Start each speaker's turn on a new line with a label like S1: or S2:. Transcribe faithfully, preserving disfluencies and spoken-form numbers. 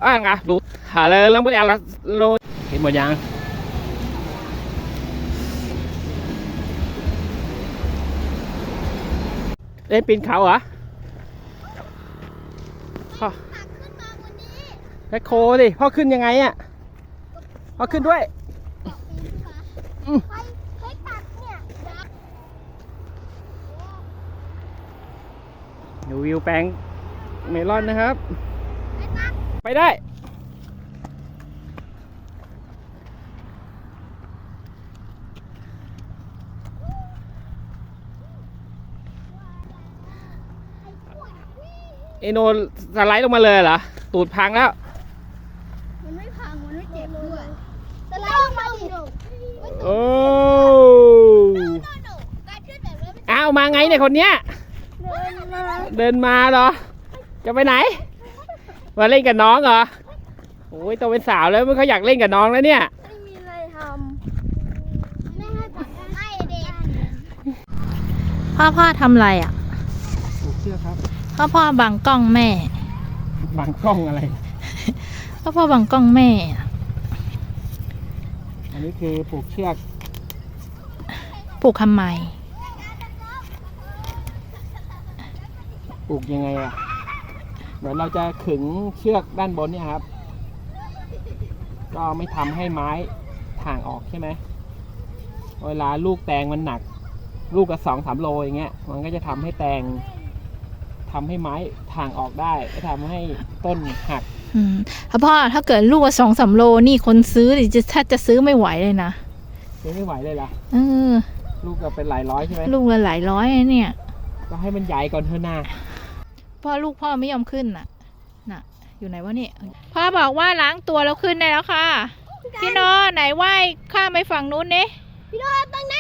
S1: อ่ะไงดูหาเลยแล้วไม่เอาละโลเห็นหมดยังเล่นปีนเขาเหรอพ่อแบคโคดิพ่อขึ้นยังไงอ่ะพ่อขึ้นด้วยดูวิวแปลงเมลอนนะครับไปได้เอโนสไลด์ลงมาเลยเหรอตูดพังแล้ว
S2: มันไม่พังมันไม่เจ็บด้วยสไลด์ลงมาดิ
S1: โอ้อ้าวมาไงเนี่ยคนเนี้ยเดินมาเหรอจะไปไหนมาเล่นกับน้องเหรอโอ้ยโตเป็นสาวแล้วมันเขาอยากเล่นกับน้องแล้วเนี่ย
S2: ไม่มีอะไรทำไม่ให้จับให้เด็ก
S3: พ่อพ่อทำอะไรอ่ะ
S1: ผูกเชือกครับ
S3: พ่อพ่อบังกล้องแม่
S1: บังกล้องอะไร
S3: พ่อพ่อบังกล้องแม่
S1: อันนี้คือผูกเชือก
S3: ผูกทำไม
S1: ผูกยังไงอ่ะเดี๋ยวเราจะขึงเชือกด้านบนเนี่ยครับก็ไม่ทำให้ไม้ถ่างออกใช่ไหมเวลาลูกแตงมันหนักลูกกับสองสามโลอย่างเงี้ยมันก็จะทำให้แตงทำให้ไม้ถ่างออกได้ก็ทำให้ต้นหัก
S3: อืมพ่อถ้าเกิดลูกสองสามโลนี่คนซื้อจะถ้าจะซื้อไม่ไหวเลยนะ
S1: ซื้อไม่ไหวเลยล่ะ
S3: เออ
S1: ลูกก็เป็นหลายร้อยใช่ไหม
S3: ลูกละหลายร้อยเนี่ย
S1: ก็ให้มันใหญ่ก่อนเถอะนะ
S3: พ่อลูกพ่อไม่ยอมขึ้นน่ะน่ะอยู่ไหนวะเนี่ยพ่อบอกว่าล้างตัวแล้วขึ้นได้แล้วค่ะพี่โนไหนไหว้ข้ามไปฝั่งนู้นดิ
S2: พี่โนตั้ง